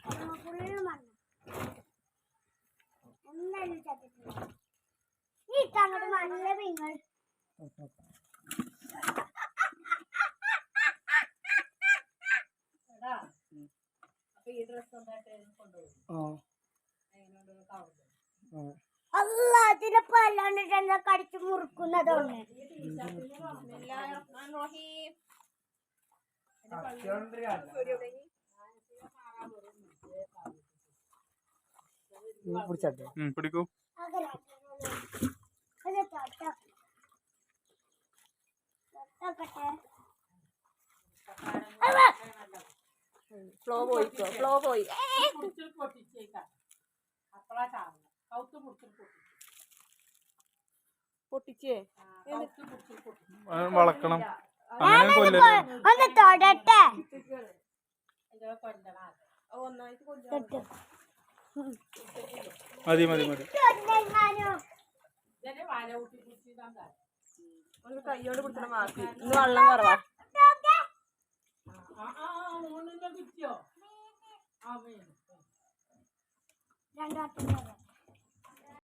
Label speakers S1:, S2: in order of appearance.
S1: അതിനപ്പോ അല്ലാണ്ട് കടിച്ചു മുറുക്കുന്നതാണ്.
S2: പിടിക്കൂ.
S3: ഫ്ലോ പോയിക്കോ, ഫ്ലോ പോയി. പൊട്ടിച്ചേ
S2: വളക്കണം.
S1: ഒന്ന് തൊടട്ടെ.
S2: മതി മതി മതി.
S3: കയ്യോട് പിടിച്ചണം മാക്കി. ഇന്ന് വെള്ളം കുറവാ.
S1: രണ്ടാമത്തെ